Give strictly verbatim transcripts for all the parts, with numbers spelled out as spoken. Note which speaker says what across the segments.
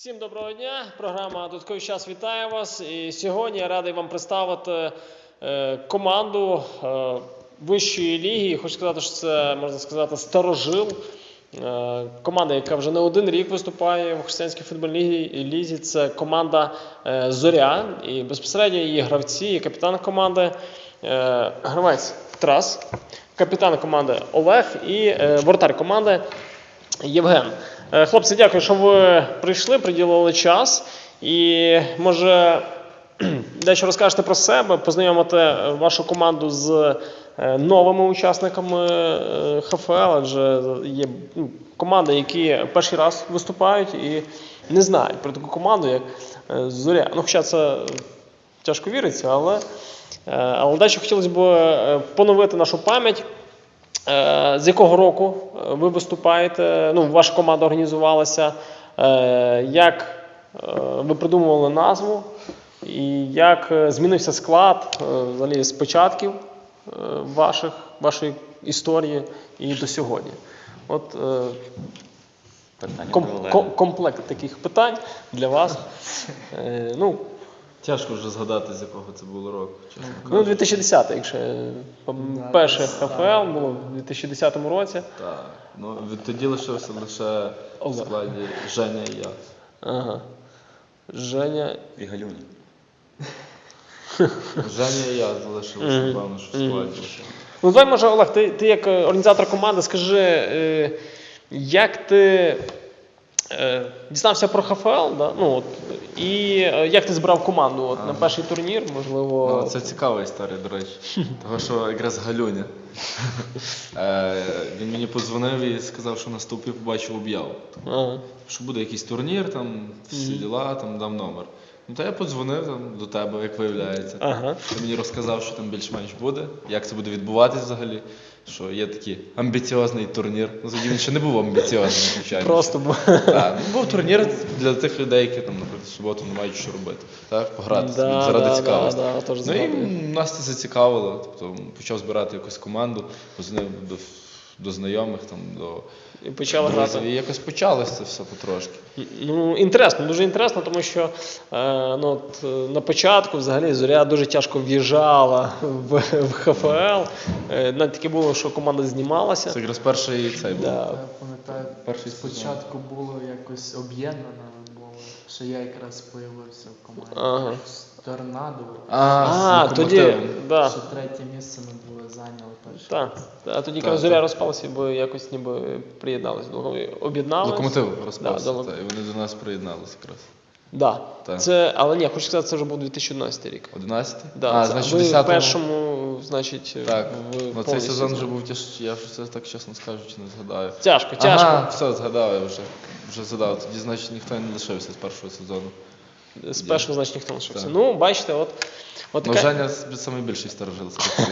Speaker 1: Всім доброго дня, програма «Додатковий час» вітає вас. І сьогодні я радий вам представити е, команду е, вищої ліги. Хочу сказати, що це, можна сказати, старожил. Е, команда, яка вже не один рік виступає в християнській футбольній лізі. Це команда е, «Зоря». І безпосередньо її гравці, і капітан команди е, гравець Тарас, капітан команди Олег і е, воротар команди Євген. Хлопці, дякую, що ви прийшли, приділили час. І, може, дещо розкажете про себе, познайомите вашу команду з новими учасниками ХФЛ, адже є команди, які перший раз виступають і не знають про таку команду, як «Зоря». Ну, хоча це тяжко віриться, але, але дещо хотілося б поновити нашу пам'ять. З якого року ви виступаєте, ну, ваша команда організувалася, як ви придумували назву і як змінився склад взагалі з початків ваших, вашої історії і до сьогодні? От ком, ком, комплект таких питань для вас. Ну,
Speaker 2: тяжко вже згадати, з якого це було року.
Speaker 1: Ну, дві тисячі десятий, якщо перше ХФЛ було в дві тисячі десятому році.
Speaker 2: Так, ну тоді лишився лише в складі Женя і я.
Speaker 1: Ага. Женя
Speaker 3: і Галюні.
Speaker 2: Женя і я залишилися, напевно, що в складі лише.
Speaker 1: Ну, давай, може, Олег, ти, ти як організатор команди, скажи, як ти дізнався про ХФЛ, да? Ну, от, і як ти збирав команду от, на перший турнір, можливо?
Speaker 2: Ну, це цікава історія, до речі. Того, що якраз Галюня. Він мені подзвонив і сказав, що на стовпі побачив об'яву.
Speaker 1: Ага.
Speaker 2: Що буде якийсь турнір, там, всі діла, там дав номер. Ну, то я подзвонив там, до тебе, як виявляється. Ага. Ти мені розказав, що там більш-менш буде, як це буде відбуватись взагалі. Що є такий амбіціозний турнір. Ну, тоді він ще не був амбіціозним, звичайно.
Speaker 1: Просто був.
Speaker 2: Так, ну, був турнір для тих людей, які там, наприклад, в суботу не мають що робити. Так, пограти
Speaker 1: да,
Speaker 2: заради
Speaker 1: да,
Speaker 2: цікавості.
Speaker 1: Да, да,
Speaker 2: ну і нас це зацікавило. Тобто почав збирати якусь команду, позвонив до, до знайомих, там, до
Speaker 1: і почали
Speaker 2: друзів.
Speaker 1: грати.
Speaker 2: І якось почалося це все потрошки.
Speaker 1: Ну, інтересно, дуже інтересно, тому що е, ну, от, на початку взагалі Зоря дуже тяжко в'їжджала в, в ХФЛ. Е, навіть таке було, що команда знімалася.
Speaker 2: Це якраз перший цей був.
Speaker 1: Да.
Speaker 4: Я пам'ятаю,
Speaker 2: Перший
Speaker 4: спочатку було якось об'єднано, було, що я якраз з'явився в команді.
Speaker 1: Ага.
Speaker 4: Торнадо.
Speaker 2: А,
Speaker 1: А,
Speaker 2: з
Speaker 1: тоді,
Speaker 2: локомотивом.
Speaker 1: да.
Speaker 4: Що третє місце ми були зайняли перше.
Speaker 1: Так, а тоді,
Speaker 2: Так,
Speaker 1: коли Зоря
Speaker 2: так.
Speaker 1: розпалася, бо якось ніби приєдналися, об'єдналися.
Speaker 2: Локомотив розпався,
Speaker 1: Да,
Speaker 2: та, і вони до нас приєдналися якраз.
Speaker 1: Да.
Speaker 2: Так.
Speaker 1: Це, але ні, хочу сказати, це вже був дві тисячі одинадцятий рік.
Speaker 2: одинадцятий?
Speaker 1: Да,
Speaker 2: а,
Speaker 1: це,
Speaker 2: значить,
Speaker 1: ви в
Speaker 2: десятому...
Speaker 1: першому, значить,
Speaker 2: Так,
Speaker 1: в
Speaker 2: ну, цей
Speaker 1: повністю
Speaker 2: сезон вже
Speaker 1: сезон.
Speaker 2: був тяж... я вже це так чесно скажучи не згадаю.
Speaker 1: Тяжко, тяжко.
Speaker 2: Ага, все, згадав я вже. Вже згадав. Тоді, значить, ніхто не лишився з першого сезону.
Speaker 1: З першого, значить, ніхто не лишився.
Speaker 2: Так.
Speaker 1: Ну, бачите, от, от
Speaker 2: Ну,
Speaker 1: така...
Speaker 2: Женя найбільший старожил.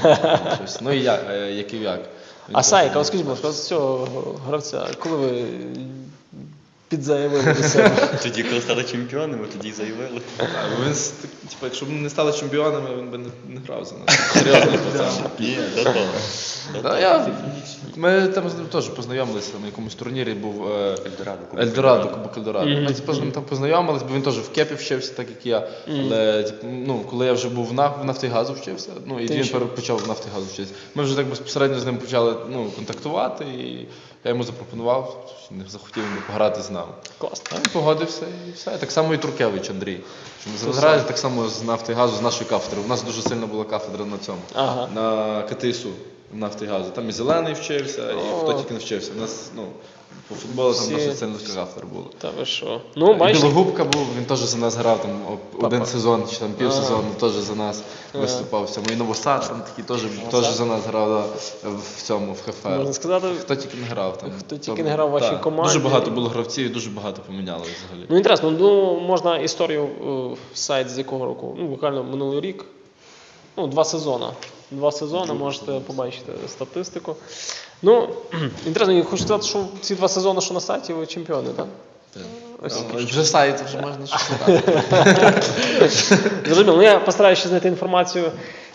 Speaker 2: Ну і я, е, як і як. Він
Speaker 1: А
Speaker 2: теж
Speaker 1: Сайка,
Speaker 2: був
Speaker 1: от скажіть, будь ласка,
Speaker 2: перший.
Speaker 1: з цього гравця, коли ви підзаявили до себе?
Speaker 3: Тоді, коли стали чемпіонами, тоді й заявили.
Speaker 2: Так, бо він, с- так, типу, якщо б ми не стали чемпіонами, він би не, не грав за нас. Серйозний пацан.
Speaker 3: Ні, до того. До
Speaker 2: Да,
Speaker 3: того.
Speaker 2: я, ми там з ним теж познайомилися на якомусь турнірі, був е,
Speaker 3: Ельдорадо, Кубок
Speaker 2: Ельдорадо,
Speaker 3: Ельдорадо.
Speaker 2: Кубок Ельдорадо. Ми типу, з ним там познайомились, бо він теж в Кепі вчився, так як я. Але типу, ну, коли я вже був в «Наф- в Нафтигазу вчився, ну і
Speaker 1: Ти
Speaker 2: він
Speaker 1: ще?
Speaker 2: пер- почав в Нафтигазу вчитися. Ми вже так безпосередньо з ним почали ну, контактувати, і я йому запропонував, що не захотів він би пограти з нами.
Speaker 1: Класно.
Speaker 2: А він погодився і все. Так само і Туркевич Андрій. Що ми зараз граємо так само з Нафтигазу, з нашої кафедри. У нас дуже сильно була кафедра на цьому,
Speaker 1: Ага.
Speaker 2: на КТСУ Нафтигазу. Там і Зелений вчився, і
Speaker 1: О.
Speaker 2: хто тільки не вчився. У нас, ну, по футболу там
Speaker 1: Всі.
Speaker 2: досить сильна кафедра була.
Speaker 1: Та ви що? Ну,
Speaker 2: І
Speaker 1: бачите.
Speaker 2: Білогубка був, він теж за нас грав там о- один
Speaker 1: Папа.
Speaker 2: сезон, чи там пів
Speaker 1: Ага.
Speaker 2: сезону, теж за нас
Speaker 1: Ага.
Speaker 2: виступав в цьому. І Новосад там такий теж, теж за нас грав да, в цьому, в ХФЛ.
Speaker 1: Можна сказати,
Speaker 2: Хто тільки не грав там.
Speaker 1: Хто тільки
Speaker 2: Там,
Speaker 1: не грав в вашій
Speaker 2: так.
Speaker 1: команді.
Speaker 2: Дуже багато було гравців і дуже багато поміняли взагалі.
Speaker 1: ну, інтересно, ну, можна історію е, сайт з якого року? Ну, буквально минулий рік. Ну, два сезони. Два сезони, можете побачити статистику. Ну, інтересно, я хочу сказати, що ці два сезони, що на сайті, ви чемпіони, так? Ось.
Speaker 2: Ну, вже сайт, вже можна щось шукати.
Speaker 1: Зрозуміло. Ну, я постараюся ще знайти інформацію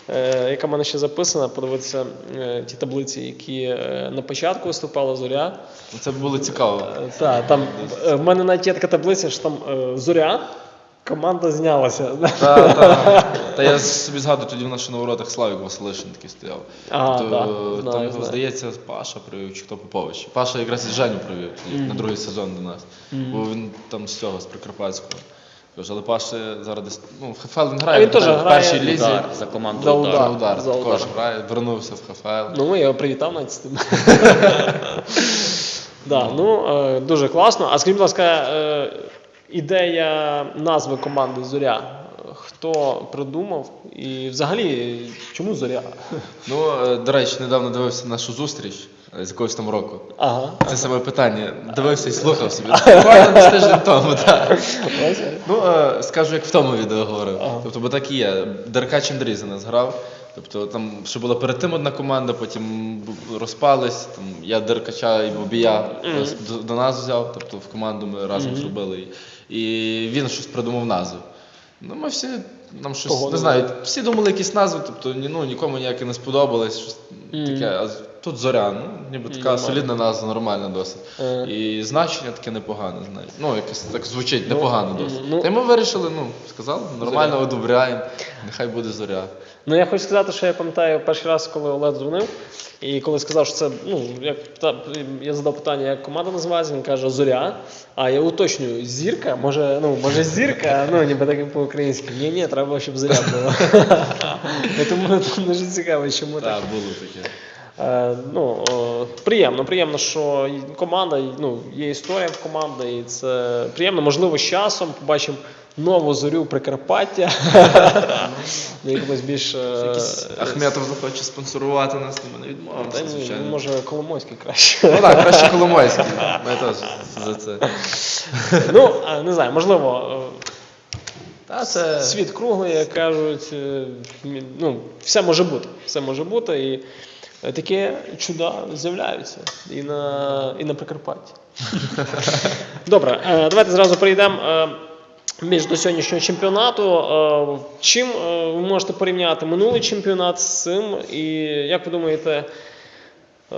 Speaker 1: е, яка в мене ще записана, подивитися е, ті таблиці, які е, на початку виступала Зоря.
Speaker 2: Це було цікаво.
Speaker 1: Е, та, там, е, в мене навіть є така таблиця, що там е, Зоря, команда знялася.
Speaker 2: Та, та. Та я собі згадую, тоді в нас ще на воротах Славік Василишин такий стояв.
Speaker 1: Ага,
Speaker 2: То,
Speaker 1: да,
Speaker 2: там
Speaker 1: знаю,
Speaker 2: його,
Speaker 1: знаю.
Speaker 2: здається, Паша привів, чи хто Попович. Паша якраз і Женю привів тоді, на другий сезон до нас. Бо він там з цього, з Прикарпатського. Кажу, але Паша зараз десь, ну, в ХФЛ він грає,
Speaker 1: А він теж
Speaker 2: в
Speaker 1: грає
Speaker 2: першій лізі.
Speaker 3: Удар, за команду
Speaker 1: За
Speaker 3: удар.
Speaker 2: За удар,
Speaker 1: За
Speaker 2: також
Speaker 1: удар.
Speaker 2: грає, вернувся в ХФЛ.
Speaker 1: Ну, я його привітав навіть з тим. Да, ну, е, дуже класно. А скажіть, будь ласка, е, ідея назви команди «Зоря». Хто придумав? І взагалі, чому «Зоря»?
Speaker 2: Ну, е, до речі, недавно дивився нашу зустріч е, з якогось там року.
Speaker 1: Ага.
Speaker 2: Це саме питання. Дивився і слухав собі. Буквально десь тиждень тому, так. Ну, е, скажу, як в тому відео говорив.
Speaker 1: Ага.
Speaker 2: Тобто, бо так і є. Деркач Андрій за нас грав. Тобто там ще була перед тим одна команда, потім бу- розпались. Там, я Деркача і Бобія
Speaker 1: Мгм.
Speaker 2: до, до нас взяв, тобто в команду ми разом
Speaker 1: Мгм.
Speaker 2: зробили. І, і він щось придумав назву. Ну, ми всі, нам щось,
Speaker 1: Погодили.
Speaker 2: не знаю, всі думали якісь назви, тобто ні, ну, нікому ніяке не сподобалось, щось
Speaker 1: Мгм.
Speaker 2: таке. А з- тут Зоря, ну, ніби така
Speaker 1: Нормально.
Speaker 2: солідна назва, нормальна досить.
Speaker 1: Е.
Speaker 2: І значення таке непогане, знаєш. Ну, якось так звучить,
Speaker 1: Ну,
Speaker 2: непогано
Speaker 1: ну,
Speaker 2: досить.
Speaker 1: ну.
Speaker 2: Та й ми вирішили, ну, сказали, нормально
Speaker 1: Зоря.
Speaker 2: одобряємо, нехай буде Зоря.
Speaker 1: Ну, я хочу сказати, що я пам'ятаю перший раз, коли Олег дзвонив, і коли сказав, що це, ну, як, та, я задав питання, як команда називається, він каже «Зоря», а я уточнюю, «Зірка», може, ну, може «Зірка», ну, ніби так по-українськи. Ні, ні, треба, щоб «Зоря» було. Я Тому тому дуже цікаво, чому так.
Speaker 2: Так, було таке.
Speaker 1: Е, ну, е, приємно, приємно, що і команда, і, ну, є історія в команди, і це приємно. Можливо, з часом побачимо нову Зорю Прикарпаття. Ну, якось більш... е,
Speaker 2: Ахметов захоче спонсорувати нас, то ми не
Speaker 1: Та
Speaker 2: відмовимося,
Speaker 1: ні,
Speaker 2: звичайно.
Speaker 1: може, Коломойський краще.
Speaker 2: Ну так, краще Коломойський. Ми теж за це.
Speaker 1: Ну, е, не знаю, можливо,
Speaker 2: Та
Speaker 1: е,
Speaker 2: це...
Speaker 1: світ круглий, як кажуть, е, мі- ну, все може бути, все може бути, і е, такі чуда з'являються і на, і на Прикарпатті. Добре, е, давайте зразу перейдемо е, більш до сьогоднішнього чемпіонату. Е, Чим е, ви можете порівняти минулий чемпіонат з цим, і як ви думаєте, е,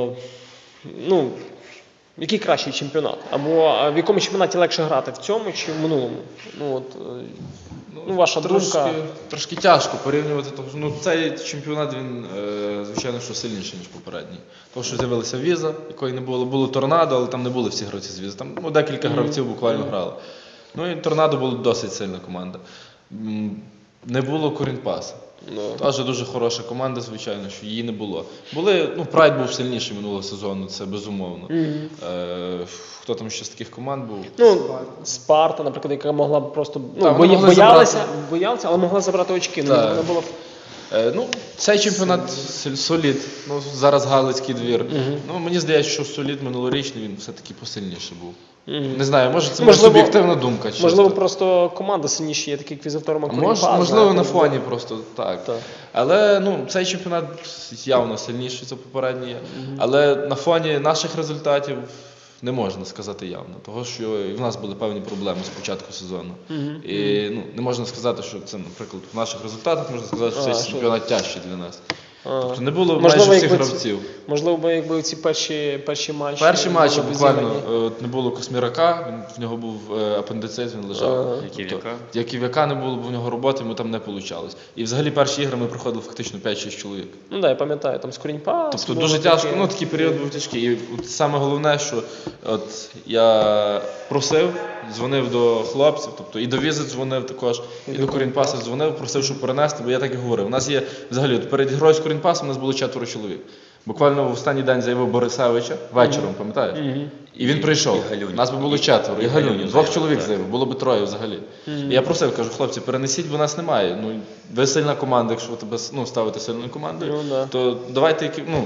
Speaker 1: ну, який кращий чемпіонат? Або е, в якому чемпіонаті легше грати, в цьому чи в минулому? Ну, от, е, ну, ваша
Speaker 2: трошки,
Speaker 1: думка.
Speaker 2: Трошки тяжко порівнювати, тому що ну, цей чемпіонат, він, е, звичайно, що сильніший, ніж попередній. Тому що з'явилася віза, якої не було. Було торнадо, але там не були всі гравці з візи. Там ну, декілька гравців буквально грали. Ну і торнадо була досить сильна команда. М, Не було Корінпаса.
Speaker 1: Ну,
Speaker 2: Теж дуже хороша команда, звичайно, що її не було. Були, ну, Прайд був сильніший минулого сезону, це безумовно.
Speaker 1: Мгм.
Speaker 2: Е, хто там ще з таких команд був?
Speaker 1: Ну, Спарта, наприклад, яка могла б просто ну,
Speaker 2: Так, вони
Speaker 1: бої-
Speaker 2: могли
Speaker 1: боялася,
Speaker 2: забрати.
Speaker 1: боялася, але могла забрати очки. Ну,
Speaker 2: Так.
Speaker 1: вона була б-
Speaker 2: Е, ну, цей чемпіонат соль- солід. Ну, зараз Галицький двір.
Speaker 1: Мгм.
Speaker 2: Ну, мені здається, що солід минулорічний він все-таки посильніше був.
Speaker 1: Мгм.
Speaker 2: Не знаю, може це
Speaker 1: Можливо-
Speaker 2: моя суб'єктивна думка. чисто.
Speaker 1: Можливо, просто команда сильніші, є такий квізавтор
Speaker 2: А
Speaker 1: Макурін.
Speaker 2: мож, можливо, на фоні просто так.
Speaker 1: Так.
Speaker 2: Але ну, цей чемпіонат явно сильніший за попередній. Але на фоні наших результатів не можна сказати явно. Того, що і в нас були певні проблеми з початку сезону.
Speaker 1: Мгм.
Speaker 2: І ну, не можна сказати, що це, наприклад, в наших результатах можна сказати, що
Speaker 1: А,
Speaker 2: цей
Speaker 1: що?
Speaker 2: чемпіонат тяжчий для нас.
Speaker 1: А.
Speaker 2: Тобто не було
Speaker 1: Можливо,
Speaker 2: майже всіх
Speaker 1: якби ці-
Speaker 2: гравців.
Speaker 1: Можливо, би, якби ці перші, перші матчі.
Speaker 2: Перші матчі
Speaker 1: були б
Speaker 2: буквально
Speaker 1: зіграні.
Speaker 2: е, от не було Космірака, він, в нього був е, апендицит, він лежав.
Speaker 1: Ага.
Speaker 3: Яків'яка.
Speaker 2: Яків'яка не було, бо в нього роботи, йому там не вийшло. І взагалі перші ігри ми проходили фактично п'ять-шість чоловік.
Speaker 1: Ну так, я пам'ятаю, там Скоріньпас.
Speaker 2: Тобто
Speaker 1: було
Speaker 2: дуже
Speaker 1: таке.
Speaker 2: тяжко, ну такий період був тяжкий. І от саме головне, що от я просив, дзвонив до хлопців, тобто і до візи дзвонив також, і, до Корінпаса дзвонив, просив, щоб перенести, бо я так і говорив. У нас є взагалі от перед грою з Корінпасом у нас було четверо чоловік. Буквально в останній день заявив Борисевича вечором, пам'ятаєш?
Speaker 1: Мгм.
Speaker 2: І він прийшов.
Speaker 3: І Галюнін.
Speaker 2: Нас би було четверо. І
Speaker 3: І
Speaker 2: Галюнін.
Speaker 3: Галюнін
Speaker 2: Двох
Speaker 3: заявив,
Speaker 2: чоловік
Speaker 3: так.
Speaker 2: заявив, було би троє взагалі.
Speaker 1: Мгм.
Speaker 2: І я просив, кажу, хлопці, перенесіть, бо нас немає. Ну, ви сильна команда, якщо ви тебе ну, ставите сильною командою,
Speaker 1: Ну, да.
Speaker 2: то давайте які- ну,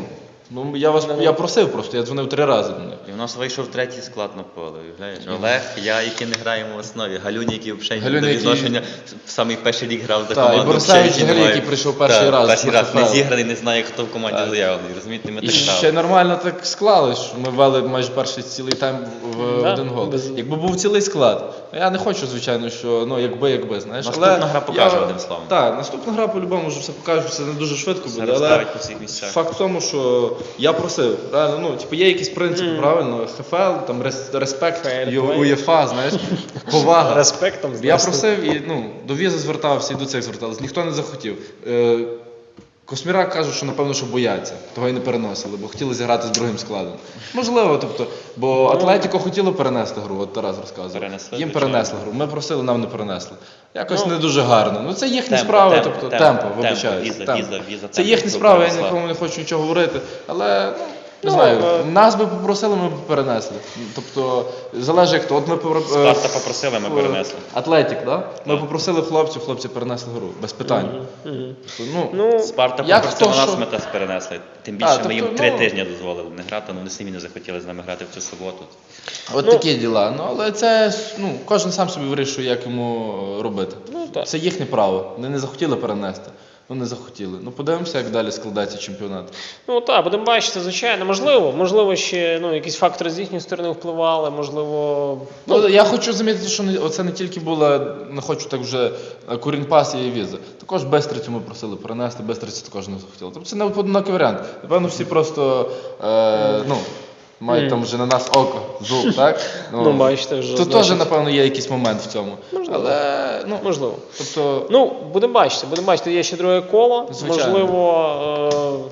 Speaker 2: Ну, я вас я просив просто, я дзвонив три рази до них.
Speaker 3: І в нас вийшов третій склад на поле. Уявляєш? Олег, я, які не граємо в основі. Галюня, який взагалі
Speaker 2: Галюня,
Speaker 3: до
Speaker 2: який-
Speaker 3: відношення в самий перший рік грав за
Speaker 2: Так, і
Speaker 3: команду.
Speaker 2: Борисевич,
Speaker 3: взагалі
Speaker 2: взагалі,
Speaker 3: немає.
Speaker 2: який прийшов перший
Speaker 3: Так,
Speaker 2: раз
Speaker 3: Перший
Speaker 2: на
Speaker 3: раз не
Speaker 2: ХФЛ.
Speaker 3: зіграний, не знає, хто в команді
Speaker 2: Так.
Speaker 3: заявлений. Розумієте, ми
Speaker 2: І
Speaker 3: так
Speaker 2: ще
Speaker 3: грали.
Speaker 2: нормально так склалось, що ми вели майже перший цілий тайм в
Speaker 1: Да,
Speaker 2: один гол.
Speaker 1: без-
Speaker 2: Якби був цілий склад, я не хочу, звичайно, що ну якби, якби, знаєш.
Speaker 3: Наступна
Speaker 2: але
Speaker 3: гра покаже,
Speaker 2: я-
Speaker 3: одним словом.
Speaker 2: Так, наступна гра по-любому вже все покаже, це не дуже швидко
Speaker 3: Все
Speaker 2: буде, але
Speaker 3: розставить по всіх місцях.
Speaker 2: факт в тому, що я просив, реально, ну, типу, є якісь принципи, правильно, ХФЛ, там рес- респект,
Speaker 1: Фейр
Speaker 2: Ю-
Speaker 1: плей.
Speaker 2: УЄФА, знаєш, повага.
Speaker 1: Респектом,
Speaker 2: Я
Speaker 1: знаєш,
Speaker 2: просив і ну, до візи звертався, і до цих звертався. Ніхто не захотів. Е, Космірак каже, що напевно, що бояться, того і не переносили, бо хотіли зіграти з другим складом. Можливо, тобто, бо Атлетіко хотіло перенести гру, от Тарас розказував.
Speaker 3: Перенесли,
Speaker 2: Їм
Speaker 3: звичайно.
Speaker 2: перенесли гру. Ми просили, нам не перенесли. Якось
Speaker 1: Ну,
Speaker 2: не дуже гарно. Ну це їхні
Speaker 3: темпо,
Speaker 2: справи,
Speaker 3: темпо,
Speaker 2: тобто
Speaker 3: темпо,
Speaker 2: темпо,
Speaker 3: темпо,
Speaker 2: вибачаюсь.
Speaker 3: віза,
Speaker 2: темпо.
Speaker 3: віза, віза,
Speaker 2: Це
Speaker 3: темпо,
Speaker 2: їхні
Speaker 3: це
Speaker 2: справи, я
Speaker 3: перенесла.
Speaker 2: нікому не хочу нічого говорити. Але ну, не
Speaker 1: Ну,
Speaker 2: знаю,
Speaker 1: е,
Speaker 2: нас би попросили, ми б перенесли. Тобто, залежить як то. От ми попро- е,
Speaker 3: Спарта попросили, ми перенесли.
Speaker 2: Атлетік, да? Ми
Speaker 3: Так.
Speaker 2: попросили хлопців, хлопці перенесли гру, без питань.
Speaker 1: Мгм.
Speaker 2: Тобто, ну,
Speaker 1: Ну,
Speaker 3: Спарта
Speaker 2: Як
Speaker 3: попросила
Speaker 2: хто
Speaker 3: нас,
Speaker 2: що?
Speaker 3: ми теж перенесли. Тим
Speaker 2: А,
Speaker 3: більше
Speaker 2: тобто,
Speaker 3: ми їм три
Speaker 2: ну-
Speaker 3: тижні дозволили не грати, але вони самі не захотіли з нами грати в цю суботу.
Speaker 2: от
Speaker 1: ну-
Speaker 2: такі діла. Ну, але це ну, кожен сам собі вирішує, як йому е, робити.
Speaker 1: Ну, так.
Speaker 2: Це їхнє право. Вони не захотіли перенести. Ну не захотіли. Ну подивимося, як далі складається чемпіонат.
Speaker 1: Ну так, будемо бачити, звичайно. Можливо, можливо, ще ну, якісь фактори з їхньої сторони впливали, можливо.
Speaker 2: Ну, я хочу замітити, що не, оце не тільки була, не хочу так вже е, Курінпас і віза. Також Бестрицю ми просили перенести, Бестрицю також не захотіли. Тобто це не одинокий варіант. Напевно, всі просто е, ну, мають
Speaker 1: Мгм.
Speaker 2: там вже на нас око, зуб, так?
Speaker 1: Ну, бачите, вже,
Speaker 2: Тут
Speaker 1: значить-
Speaker 2: теж, напевно, є якийсь момент в цьому.
Speaker 1: Можливо.
Speaker 2: Але, ну,
Speaker 1: Можливо.
Speaker 2: тобто,
Speaker 1: Ну, будемо бачити, будемо бачити, є ще друге коло.
Speaker 2: Звичайно.
Speaker 1: Можливо.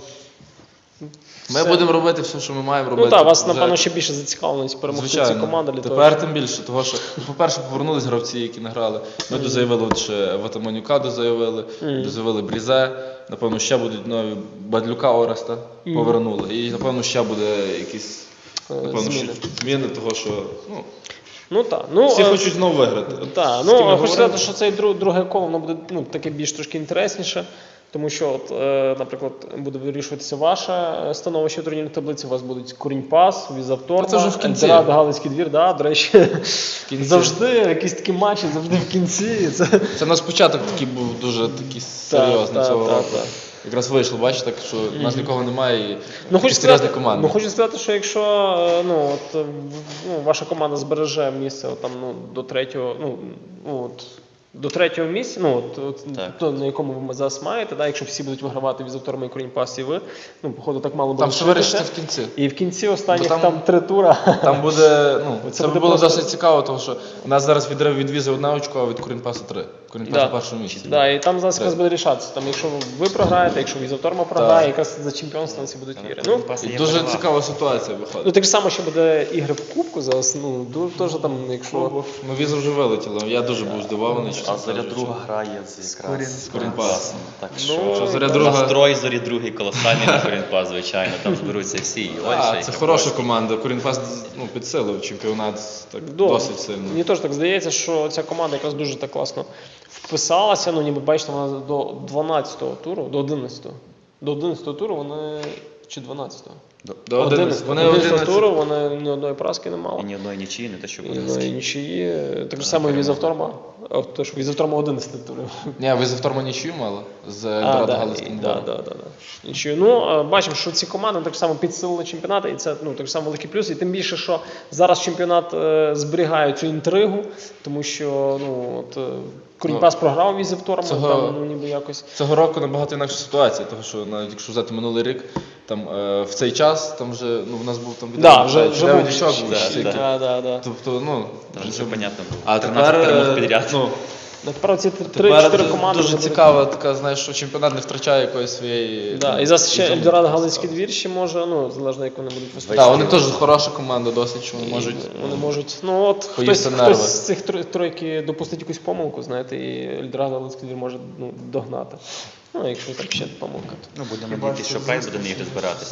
Speaker 1: Е-
Speaker 2: ми
Speaker 1: все-
Speaker 2: будемо робити все, що ми маємо робити.
Speaker 1: Ну так, вас,
Speaker 2: Вже-
Speaker 1: напевно, ще більше зацікавленість перемогти ці
Speaker 2: Звичайно.
Speaker 1: команди для того.
Speaker 2: Тепер тим більше, того що, ну, по-перше, повернулись гравці, які не грали. Ми дозаявили от ще Ватаманюка дозаявили,
Speaker 1: Мгм.
Speaker 2: дозаявили Брізе. Напевно, ще будуть нові Бадлюка Ореста повернули. І напевно ще буде якісь
Speaker 1: Е,
Speaker 2: напевно,
Speaker 1: зміни.
Speaker 2: ще зміни, того що ну,
Speaker 1: Ну так. Ну,
Speaker 2: всі
Speaker 1: е,
Speaker 2: хочуть знову виграти.
Speaker 1: Так,
Speaker 2: З
Speaker 1: ну
Speaker 2: ким я
Speaker 1: хочу
Speaker 2: говорив?
Speaker 1: сказати, що цей друг, друге коло воно буде ну, таке більш трошки інтересніше, тому що, от, е, наприклад, буде вирішуватися ваше становище в турнірній таблиці, у вас будуть Курінь-Пас, Візавторма,
Speaker 2: Та це вже в кінці.
Speaker 1: Ельдорадо, Галицький двір, да, до речі,
Speaker 2: кінці.
Speaker 1: завжди якісь такі матчі, завжди в кінці. Це...
Speaker 2: Це наш початок такий був дуже такий серйозний
Speaker 1: та,
Speaker 2: цього
Speaker 1: та,
Speaker 2: року.
Speaker 1: та.
Speaker 2: Якраз вийшло, бачите, так, що у нас нікого немає і
Speaker 1: Ну, хочу
Speaker 2: серйозна
Speaker 1: сказати,
Speaker 2: команда.
Speaker 1: ну, хочу сказати, що якщо е, ну, от, е, в- ну, ваша команда збереже місце от, там, ну, до третього, ну, ну, от, до третього місця, ну, от, от,
Speaker 3: Так.
Speaker 1: то, на якому ви зараз маєте, да, якщо всі будуть вигравати від Завторма і Корінь-Пас і ви, ну, походу, так мало буде
Speaker 2: Там все вирішиться в кінці.
Speaker 1: І в кінці останніх
Speaker 2: Бо
Speaker 1: там,
Speaker 2: там-
Speaker 1: три тура.
Speaker 2: Там буде, ну,
Speaker 1: Це
Speaker 2: це,
Speaker 1: буде
Speaker 2: було
Speaker 1: просто-
Speaker 2: досить цікаво, тому що у нас зараз відрив від візи одне очко, а від Корінпаса три. Корінпас
Speaker 1: Да.
Speaker 2: на першому місці.
Speaker 1: Да, і там зараз
Speaker 2: Три.
Speaker 1: якраз буде рішатися. Там, якщо ви програєте, якщо Візавторма програє, якраз за чемпіонство всі будуть ігри. Ну,
Speaker 2: І дуже цікава ситуація виходить.
Speaker 1: ну, так само ще буде ігри в Кубку зараз, ну, ду- теж там, якщо...
Speaker 2: Ну, віза вже вилетіла. Я дуже був здивований.
Speaker 3: А
Speaker 2: чесно
Speaker 3: Зоря
Speaker 2: кажучи.
Speaker 3: друга грає з якраз
Speaker 2: З Корінпасом.
Speaker 3: Так
Speaker 1: Ну,
Speaker 3: що
Speaker 2: Що Зоря
Speaker 3: Друга...
Speaker 2: друга.
Speaker 3: настрой Зорі другий колосальний на Корінпас, звичайно. Там зберуться всі. І Ольша,
Speaker 2: А,
Speaker 3: і
Speaker 2: це
Speaker 3: Капош.
Speaker 2: хороша команда. Корінпас ну, підсилив чемпіонат так,
Speaker 1: Да.
Speaker 2: досить сильно.
Speaker 1: Мені теж так здається, що ця команда якраз дуже так класно вписалася. Ну, ніби бачите, вона до дванадцятого туру, до одинадцятого. До одинадцятого туру вони. Чи дванадцятого?
Speaker 2: До одинадцятого. Вони
Speaker 1: одинадцятого
Speaker 2: одинадцять.
Speaker 1: туру вони ні одної поразки не мали.
Speaker 3: І ні одної нічиї, не те, що
Speaker 1: І
Speaker 3: буде.
Speaker 1: одної нічиї. Так же само і Візавторма. А, то ж Візавторма одинадцятий тур.
Speaker 2: Ні, ви за вторма нічию мали з
Speaker 1: А,
Speaker 2: Ельдорадо
Speaker 1: да,
Speaker 2: Галицьким
Speaker 1: і- да,
Speaker 2: двором.
Speaker 1: да, да, да. Нічию. Ну, е, бачимо, що ці команди так само підсилили чемпіонат, і це ну, так само великий плюс. І тим більше, що зараз чемпіонат е, зберігає цю інтригу, тому що ну, от, е, Корінь-Пас програв Візавторма,
Speaker 2: цього-
Speaker 1: там ну, ніби якось.
Speaker 2: Цього року набагато інакша ситуація, тому що навіть якщо взяти минулий рік, там е, в цей час там вже ну, в нас був там
Speaker 1: Да, вже, вже
Speaker 2: дев'ять
Speaker 1: був.
Speaker 2: очок був,
Speaker 3: Да,
Speaker 2: стільки.
Speaker 1: Да, да, да.
Speaker 2: Тобто, ну,
Speaker 3: Там все понятно було.
Speaker 2: а
Speaker 3: тринадцять
Speaker 2: тепер,
Speaker 3: перемог
Speaker 2: е,
Speaker 3: підряд.
Speaker 2: ну,
Speaker 1: Ну, Тепер ці
Speaker 2: тепер
Speaker 1: три-чотири команди.
Speaker 2: дуже
Speaker 1: вже будуть-
Speaker 2: цікава така, знаєш, що чемпіонат не втрачає якоїсь своєї...
Speaker 1: Да,
Speaker 2: ну,
Speaker 1: і зараз ще
Speaker 2: ізюмінки.
Speaker 1: Ельдорадо Галицький двір ще може, ну, залежно як вони будуть виступати.
Speaker 2: Так, вони теж хороша команда досить, що вони
Speaker 1: І
Speaker 2: можуть...
Speaker 1: Вони можуть. Ну от хтось,
Speaker 2: поїсти нерви.
Speaker 1: хтось з цих тро- тройки допустить якусь помилку, знаєте, і Ельдорадо Галицький двір може ну, догнати. Ну, якщо там ще помилка, то.
Speaker 3: Ну, будемо надіятися, що Прайд буде на ігри збиратися.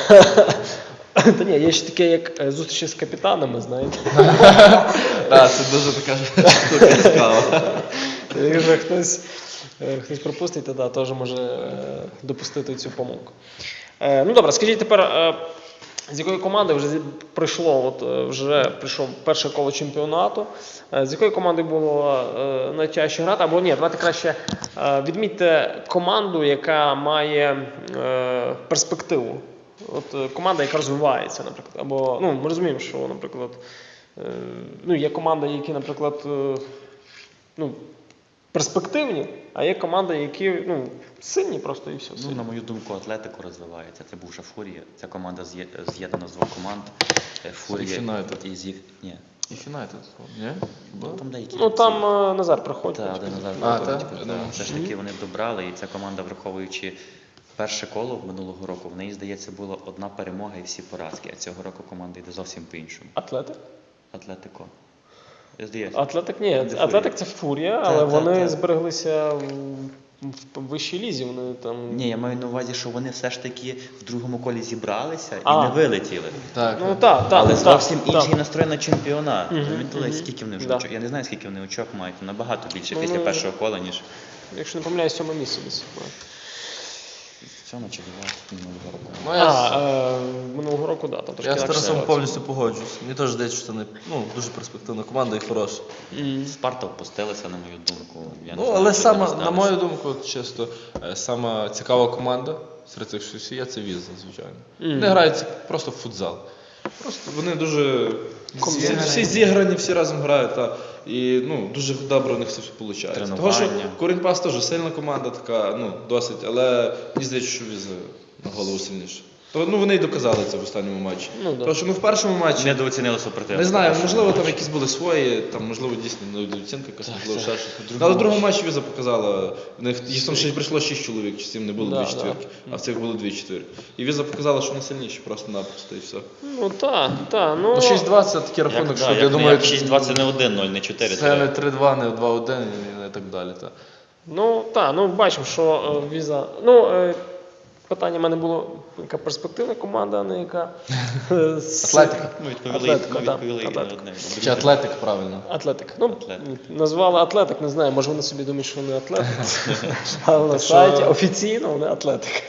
Speaker 1: Та ні, є ще таке, як е, зустрічі з капітанами, знаєте.
Speaker 2: Так, це дуже така штука цікава.
Speaker 1: Якщо хтось, е, хтось пропустить, то да, теж може е, допустити цю помилку. Е, ну добре, скажіть тепер, е, з якої команди вже зі- прийшло, от е, вже прийшов перше коло чемпіонату, е, з якою командою було е, найтяжче грати, або ні, давайте краще е, відмітьте команду, яка має е, перспективу. От е, команда, яка розвивається, наприклад, або ну ми розуміємо, що, наприклад, е, ну є команди, які, наприклад, е, ну, перспективні, а є команди, які ну, сильні просто і все.
Speaker 3: Ну,
Speaker 1: сильні.
Speaker 3: на мою думку, Атлетико розвивається. Це бувша Фурія. Ця команда з'є- з'єднана з двох команд. Е, Фурія
Speaker 2: Юнайтед.
Speaker 3: і зі... Ні.
Speaker 2: І Фінайтед, ні?
Speaker 3: Ну, там деякі.
Speaker 1: Ну там е, Назар приходить.
Speaker 3: Та, один назад
Speaker 2: А,
Speaker 3: виходить.
Speaker 2: так?
Speaker 3: Та,
Speaker 2: Я думав,
Speaker 3: Все ж таки вони добрали, і ця команда, враховуючи перше коло минулого року, в неї, здається, була одна перемога і всі поразки. А цього року команда йде зовсім по-іншому.
Speaker 1: Атлетик?
Speaker 3: Атлетико. Здається.
Speaker 1: Атлетик ні,
Speaker 3: Де Фурія?
Speaker 1: Атлетик це Фурія,
Speaker 3: Та,
Speaker 1: але
Speaker 3: та,
Speaker 1: вони
Speaker 3: та.
Speaker 1: збереглися в, в вищій лізі. Вони там.
Speaker 3: Ні, я маю на увазі, що вони все ж таки в другому колі зібралися і
Speaker 1: А.
Speaker 3: не вилетіли.
Speaker 2: Так.
Speaker 1: Ну так, так.
Speaker 3: Але
Speaker 1: так,
Speaker 3: зовсім
Speaker 1: так.
Speaker 3: інший настрой на чемпіонат.
Speaker 1: Мгм,
Speaker 3: Замітили,
Speaker 1: мгм.
Speaker 3: скільки вони вже
Speaker 1: Да.
Speaker 3: очок? Я не знаю, скільки вони очок мають, набагато більше
Speaker 1: Ну,
Speaker 3: після
Speaker 1: ну,
Speaker 3: першого кола, ніж
Speaker 1: Якщо не помиляюсь, сьоме місце десь.
Speaker 3: сьомо чи дев'яте минулого року.
Speaker 2: Ну, я,
Speaker 1: А,
Speaker 2: з-
Speaker 1: е, минулого року, да, там трошки
Speaker 2: я з
Speaker 1: інакше
Speaker 2: Тарасом
Speaker 1: ситуація.
Speaker 2: повністю погоджуюсь. Мені теж здається, що це не, ну, дуже перспективна команда і хороша.
Speaker 1: Мгм.
Speaker 3: Спарта опустилася, на мою думку. Я не
Speaker 2: Ну,
Speaker 3: знаю,
Speaker 2: але
Speaker 3: що
Speaker 2: сама,
Speaker 3: з ними
Speaker 2: на
Speaker 3: сталося.
Speaker 2: мою думку, от чисто, е, сама цікава команда серед цих, що всі є, це Віза, звичайно.
Speaker 1: Мгм.
Speaker 2: Вони грають просто в футзал. Просто вони дуже всі,
Speaker 1: Зіграні.
Speaker 2: всі зіграні, всі разом грають. Та, і ну, дуже добре у них все виходить.
Speaker 3: Тренування.
Speaker 2: Того, що Корінь-Пас теж сильна команда, така, ну, досить, але мені здається, що Віза на голову сильніше. То, ну, вони й доказали це в останньому матчі.
Speaker 1: Ну, да.
Speaker 2: Тому що ну, в першому матчі
Speaker 3: Недооцінили супротивника.
Speaker 2: не знаю, можливо, там якісь були свої, там, можливо, дійсно недооцінка якась, можливо, ще щось. Ну, Але в другому матчі Віза показала, в них їх там ще прийшло шість чоловік, чи сім не було
Speaker 1: Да,
Speaker 2: дві четвірки, а в цих було дві четвірки. І Віза показала, що вони сильніші просто-напросто і все.
Speaker 1: Ну так, так. Ну,
Speaker 2: Ну, шість-два це такий
Speaker 3: Як,
Speaker 2: рахунок,
Speaker 3: да,
Speaker 2: що
Speaker 3: як,
Speaker 2: я думаю,
Speaker 3: як шість два це не один-нуль, не чотири
Speaker 2: це не
Speaker 3: три.
Speaker 2: три-два, не два-один і так далі. Та.
Speaker 1: ну так, ну бачимо, що е, Віза. Ну, е, питання в мене було, яка перспективна команда, а не яка. е, с-
Speaker 2: Атлетика.
Speaker 3: Ми відповіли,
Speaker 1: Атлетико,
Speaker 3: ми
Speaker 1: да,
Speaker 3: відповіли і на
Speaker 1: Атлетико.
Speaker 3: одне.
Speaker 2: Чи Атлетик, правильно.
Speaker 1: Атлетик. Ну,
Speaker 3: Атлетик.
Speaker 1: назвали Атлетик, не знаю, може вони собі думають, що вони Атлетик. Але на
Speaker 2: Так що-
Speaker 1: сайті офіційно вони Атлетик.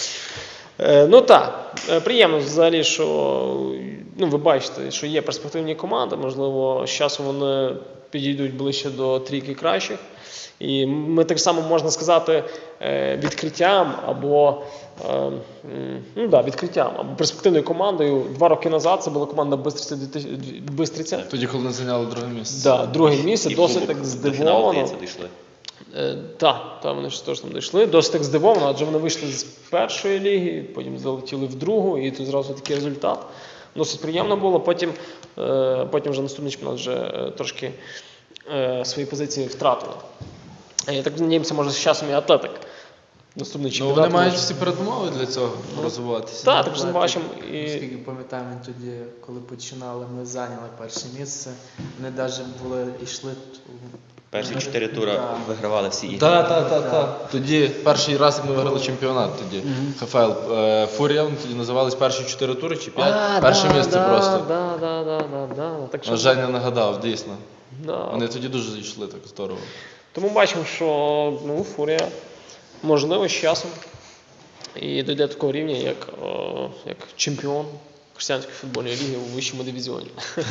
Speaker 1: Е, Ну так, е, приємно взагалі, що ну, ви бачите, що є перспективні команди, можливо, з часом вони підійдуть ближче до трійки кращих. І ми так само можна сказати е, відкриттям або е, м, ну, да, відкриттям або перспективною командою. Два роки назад це була команда Бистриця. дві тисячі- Бистриця.
Speaker 2: Тоді, коли вони зайняли друге місце.
Speaker 1: Да, друге місце,
Speaker 3: І
Speaker 1: досить
Speaker 3: Кубок
Speaker 1: так
Speaker 3: до фіналу,
Speaker 1: здивовано.
Speaker 3: здається, дійшли.
Speaker 1: Е, Так, та, вони ж теж там дійшли. Досить так здивовано, адже вони вийшли з першої ліги, потім залетіли в другу, і тут зразу такий результат. Досить приємно було. Потім, е, потім вже наступний чемпіонат вже е, трошки е, свої позиції втратили. Е, Я так надіємося, може з часом і Атлетик. Наступний
Speaker 2: Ну,
Speaker 1: чемпіонат.
Speaker 2: вони мають
Speaker 1: може-
Speaker 2: всі передумови для цього розвиватися.
Speaker 1: Так, так що ми бачимо. І...
Speaker 4: Наскільки пам'ятаємо, тоді, коли починали, ми зайняли перше місце. Вони навіть були йшли.
Speaker 3: Перші чотири тури
Speaker 4: Да.
Speaker 3: вигравали всі ігри.
Speaker 2: Так, так, так, так. Тоді перший раз, як ми виграли чемпіонат, тоді ХФЛ е, Фурія, вони тоді називались перші чотири тури чи п'ять.
Speaker 1: А,
Speaker 2: Перше
Speaker 1: да,
Speaker 2: місце
Speaker 1: да,
Speaker 2: просто.
Speaker 1: Да, да, да, да, да. Так що,
Speaker 2: А Женя нагадав, дійсно.
Speaker 1: да.
Speaker 2: Вони тоді дуже зійшли так здорово.
Speaker 1: Тому бачимо, що ну, Фурія можливо з часом і дійде до такого рівня, як, о, як чемпіон християнської футбольної ліги у вищому дивізіоні.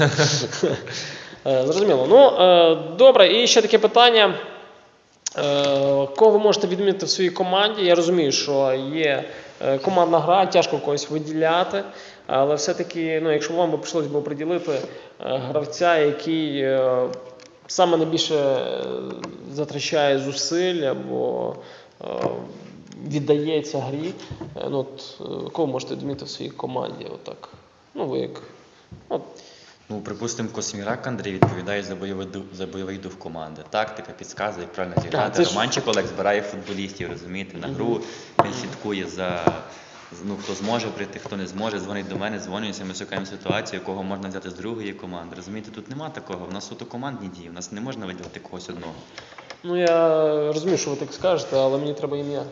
Speaker 1: Е, Зрозуміло. Ну, е, добре, і ще таке питання. Е, Кого ви можете відмітити в своїй команді? Я розумію, що є е, командна гра, тяжко когось виділяти, але все-таки, ну, якщо вам би прийшлося б приділити е, гравця, який е, саме найбільше е, затрачає зусиль або е, віддається грі, е, ну, от, е, кого можете відмітити в своїй команді? Отак. Ну, ви як. От,
Speaker 3: Ну, припустимо, Космірак Андрій відповідає за бойовий дух, за бойовий дух команди. Тактика, підказує, як правильно
Speaker 1: А,
Speaker 3: зіграти.
Speaker 1: це ж-
Speaker 3: Романчик Олег збирає футболістів, розумієте, на гру. Він слідкує за, ну, хто зможе прийти, хто не зможе. Дзвонить до мене, дзвонюється, ми шукаємо ситуацію, кого можна взяти з другої команди. Розумієте, тут нема такого, в нас суто командні дії, в нас не можна виділити когось одного.
Speaker 1: ну, я розумію, що ви так скажете, але мені треба ім'я.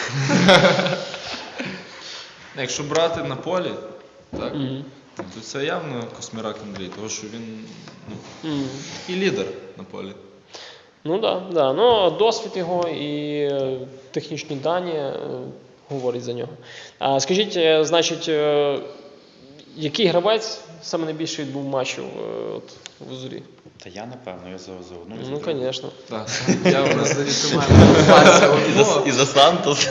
Speaker 2: Якщо брати на полі, так,
Speaker 1: Мгм.
Speaker 2: то це явно Космірак Андрій, тому що він ну,
Speaker 1: Мгм.
Speaker 2: і лідер на полі.
Speaker 1: Ну так, да, да. Ну, досвід його і е, технічні дані е, говорить за нього. А скажіть, е, значить, е, який гравець саме найбільше відбув матчів е, от, в Зорі?
Speaker 3: Та я, напевно, я за, за одну. і за
Speaker 1: Ну,
Speaker 3: другу.
Speaker 1: звісно.
Speaker 2: Так, я у нас
Speaker 3: І за, і за Сантос.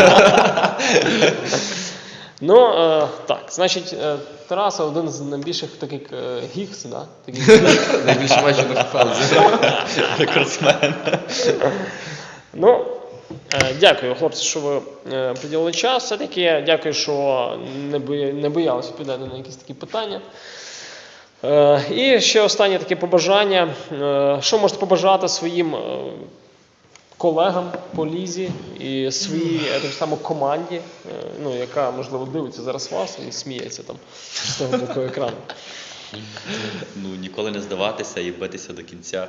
Speaker 1: Ну, е, так, значить, е, Тараса один з найбільших таких е, гікс, да? Таких,
Speaker 2: найбільше матчів на ХФЛ зіграв.
Speaker 3: Рекордсмен.
Speaker 1: ну, е, дякую, хлопці, що ви е, приділили час. Все-таки дякую, що не, бої, не боялися відповідати на якісь такі питання. Е, і ще останнє таке побажання. Е, що можете побажати своїм е, колегам по лізі і своїй е, так само команді, е, ну, яка, можливо, дивиться зараз вас і сміється там з того боку екрану?
Speaker 3: Ну, ніколи не здаватися і битися до кінця.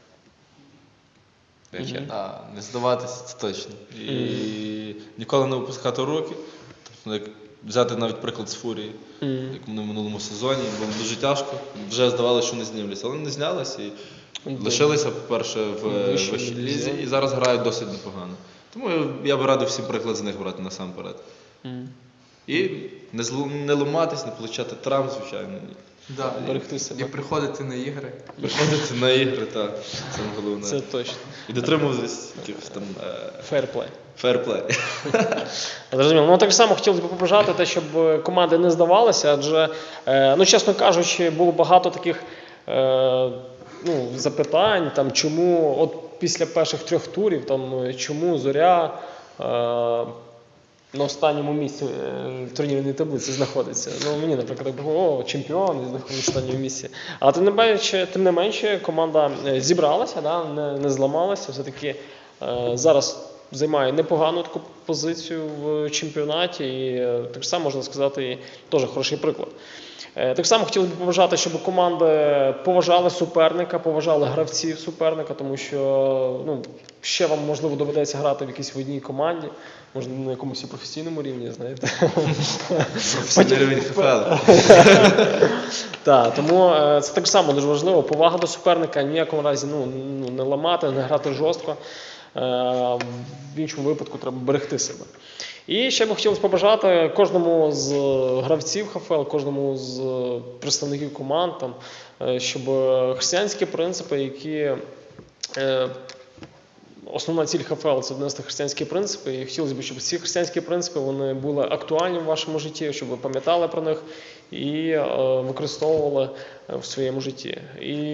Speaker 3: Вечір.
Speaker 1: Мгм.
Speaker 2: А, не здаватися, це точно. І ніколи не опускати руки. Тобто, як взяти навіть приклад з Фурії,
Speaker 1: Мгм.
Speaker 2: як вони в минулому сезоні, було дуже тяжко. Вже здавалося, що не знімляться, але не знялися і
Speaker 1: Добре.
Speaker 2: лишилися, по-перше, в е,
Speaker 1: Вищій
Speaker 2: вищій
Speaker 1: лізі.
Speaker 2: лізі і зараз грають досить непогано. Тому я- я би радив всім приклад з них брати насамперед.
Speaker 1: Мгм.
Speaker 2: І не, зло- не ламатись, не получати травм, звичайно. Ні.
Speaker 4: Да.
Speaker 1: Берегти себе.
Speaker 4: І приходити на ігри.
Speaker 2: Приходити на ігри, так, це головне.
Speaker 1: Це точно.
Speaker 2: І дотримуватись якихось там е,
Speaker 1: Фейрплей.
Speaker 2: фейрплей.
Speaker 1: Зрозуміло. Ну, так само хотілося б побажати те, щоб команди не здавалися, адже, е, ну, чесно кажучи, було багато таких е, ну, запитань, там, чому от після перших трьох турів, там, чому Зоря е, на останньому місці е, в турнірній таблиці знаходиться. Ну, мені, наприклад, так було, о, чемпіон, і знаходиться в останньому місці. Але тим не менше, тим не менше команда е, зібралася, да, не, не зламалася, все-таки е, зараз займає непогану таку позицію в чемпіонаті, і е, так само можна сказати, і теж хороший приклад. Е, Так само хотів би побажати, щоб команди поважали суперника, поважали гравців суперника, тому що ну, ще вам, можливо, доведеться грати в якійсь в одній команді, можливо, на якомусь і професійному рівні, знаєте.
Speaker 2: Професійний рівень ХФЛ.
Speaker 1: Так, тому е, це так само дуже важливо. Повага до суперника, ні в якому разі ну, ну, не ламати, не грати жорстко. Е, В іншому випадку треба берегти себе. І ще би хотілося побажати кожному з гравців ХФЛ, кожному з представників команд, там, е, щоб християнські принципи, які е, основна ціль ХФЛ – це донести християнські принципи, і хотілося б, щоб ці християнські принципи вони були актуальні в вашому житті, щоб ви пам'ятали про них і е, використовували в своєму житті. І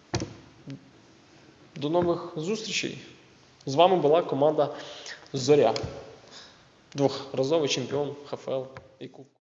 Speaker 1: до нових зустрічей. З вами була команда «Зоря». Двохразовий чемпіон ХФЛ і Кубку.